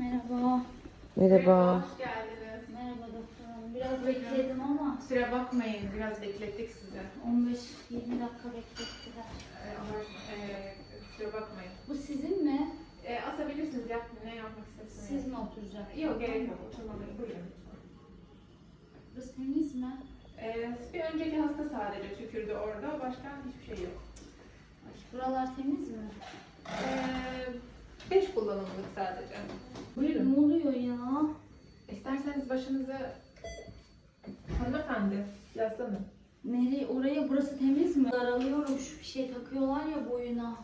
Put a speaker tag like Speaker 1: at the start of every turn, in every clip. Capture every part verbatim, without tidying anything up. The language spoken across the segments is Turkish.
Speaker 1: Merhaba.
Speaker 2: Merhaba.
Speaker 3: Hoş geldiniz.
Speaker 1: Merhaba doktor hanım. Biraz bekledim ama
Speaker 3: Kusura bakmayın, biraz beklettik sizi.
Speaker 1: on beş yirmi dakika beklettiler.
Speaker 3: Ee, ama e, kusura bakmayın.
Speaker 1: Bu sizin mi?
Speaker 3: E, asabilirsiniz, yap, ne yapmak istersiniz?
Speaker 1: Siz mi oturacaksınız?
Speaker 3: Yok, gerek yok. Oturmaları buyurun.
Speaker 1: Burası temiz mi?
Speaker 3: E, bir önceki hasta sadece tükürdü orada, başka hiçbir şey yok.
Speaker 1: Ay, buralar temiz mi?
Speaker 3: E, beş kullanımlık sadece.
Speaker 1: Ne oluyor ya?
Speaker 3: İsterseniz başınızı... Hanımefendi, yaslanın.
Speaker 1: Nereye? Oraya burası temiz mi? Daralıyorum. Şu bir şey takıyorlar ya boyuna.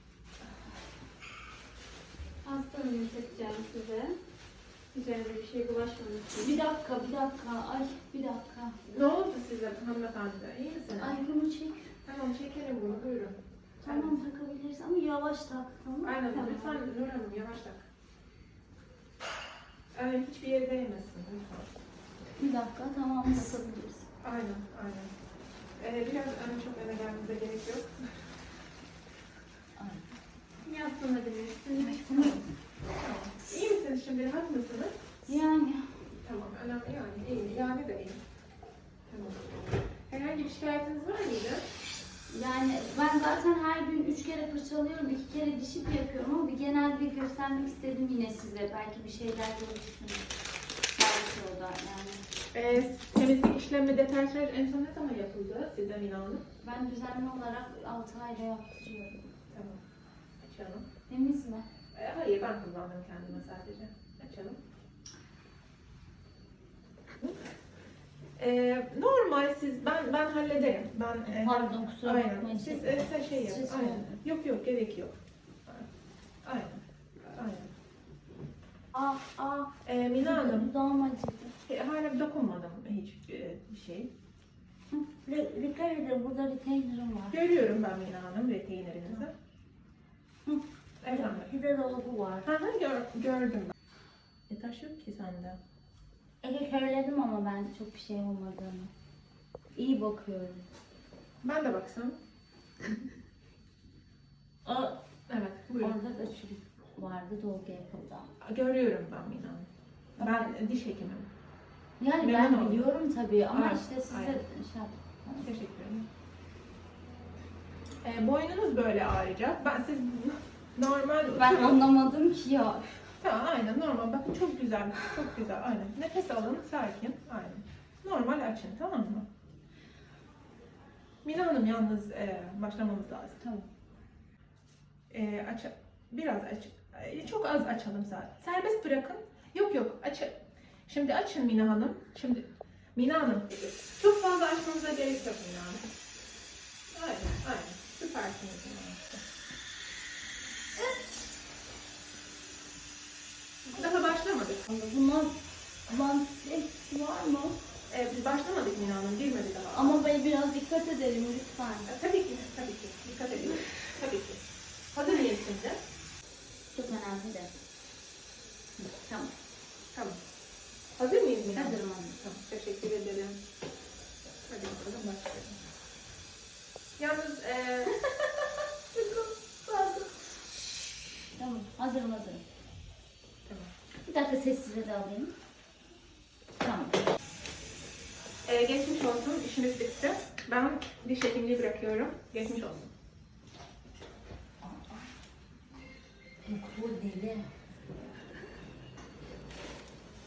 Speaker 4: Hastanın takacağım size. Üzerinde bir şey bulaşmamış.
Speaker 1: Bir dakika, bir dakika. Ay, bir dakika.
Speaker 3: Ne oldu size hanımefendi? İyi misiniz?
Speaker 1: Ay bunu çek.
Speaker 3: Tamam, çekelim bunu, buyurun.
Speaker 1: Tamam takabiliriz ama yavaş tak. Tamam mı?
Speaker 3: Aynen,
Speaker 1: Tamam.
Speaker 3: lütfen Nur Hanım yavaş tak. Evet, hiçbir yere değmesin lütfen.
Speaker 1: Bir dakika, tamam takabiliriz.
Speaker 3: Aynen, aynen. Ee, biraz öne çok öne gelmemize gerek yok.
Speaker 4: Yaslanabilirsiniz.
Speaker 3: Tamam. İyi misiniz şimdi, rahat mısınız?
Speaker 1: Yani
Speaker 3: Tamam, önemli yani, iyi, yani de iyi. Tamam. Herhangi bir şikayetiniz var mıydı?
Speaker 1: Yani ben zaten her gün üç kere fırçalıyorum, iki kere dişip yapıyorum ama bir genel bir göstermek istedim yine size. Belki bir şeyler görürsünüz. Belki o da yani.
Speaker 3: Ee, temizlik işlemi, deterjan en son ne zaman yapıldı size Mina Hanım?
Speaker 1: Ben düzenli olarak altı ayda yaptırıyorum.
Speaker 3: Tamam, açalım.
Speaker 1: Temiz mi?
Speaker 3: Ee, hayır, ben kullandım kendime sadece. Açalım. Ee, normal siz, ben ben hallederim. Ben e,
Speaker 1: Pardon, kusura
Speaker 3: aynen.
Speaker 1: bakmayın.
Speaker 3: Siz e, sen şey yapın.
Speaker 1: Siz
Speaker 3: Aynen.
Speaker 1: söyleyin.
Speaker 3: Yok yok, gerek yok. Aynen. Aynen.
Speaker 1: Aa, aa.
Speaker 3: Ee, Mina Hanım,
Speaker 1: Dudağım acıdı.
Speaker 3: e, hala dokunmadım hiç e, bir şey.
Speaker 1: Hı, re- Dikkat edin, burada retainer'ım var.
Speaker 3: Görüyorum ben Mina Hanım retainerinizi.
Speaker 1: Hı.
Speaker 3: Efendim.
Speaker 1: Bir de dolabı var.
Speaker 3: Ha, ha, gör, gördüm ben. E, taş yok ki sende.
Speaker 1: Ege söyledim ama ben çok bir şey olmadığını. İyi bakıyorum.
Speaker 3: Ben de baksam.
Speaker 1: Aa,
Speaker 3: Evet, buyurun.
Speaker 1: orada da çürük vardı, dolgu yapıldı.
Speaker 3: Görüyorum ben Mina Hanım. Ben diş hekimim.
Speaker 1: Yani
Speaker 3: Memnun
Speaker 1: ben
Speaker 3: oldum.
Speaker 1: biliyorum tabii ama
Speaker 3: Aynen,
Speaker 1: işte size
Speaker 3: aynen.
Speaker 1: şey yaptım.
Speaker 3: Teşekkür ederim. E, boynunuz böyle ağrıyacak. Ben siz normal
Speaker 1: Ben
Speaker 3: oturun.
Speaker 1: anlamadım ki ya.
Speaker 3: Ha, aynen normal. Bakın çok güzel. Çok güzel. Aynen. Nefes alın. Sakin. Aynen. Normal açın. Tamam mı? Mina Hanım yalnız e, başlamamız lazım.
Speaker 1: Tamam.
Speaker 3: E, aç, biraz aç. e, Çok az açalım zaten. Serbest bırakın. Yok yok. Aç. Şimdi açın Mina Hanım. Şimdi Mina Hanım. Çok fazla açmanıza gerek yok Mina Hanım. Aynen. Aynen. Süpersiniz Mina Hanım. Daha başlamadık.
Speaker 1: Bunlar lanset var mı?
Speaker 3: Ee, biz başlamadık Mina Hanım, girmedi daha.
Speaker 1: Ama ben biraz dikkat edelim lütfen.
Speaker 3: Ee, tabii ki, tabii ki. Dikkat edin. Tabii ki. Hazır mıyız şimdi?
Speaker 1: Çok önemli de. Hı, Tamam.
Speaker 3: Tamam. Hazır mıyız Mina Hanım?
Speaker 1: Hazırım anne.
Speaker 3: Tamam, teşekkür ederim. Hadi bakalım başlayalım. Yalnız, ee...
Speaker 1: Tamam. Hazırım hazırım.
Speaker 3: tamam.
Speaker 1: Bir dakika sessize de alayım. Tamam.
Speaker 3: Ee, geçmiş olsun, işimiz bitti. Ben diş hekimliği bırakıyorum. Geçmiş olsun.
Speaker 1: Doktor deli.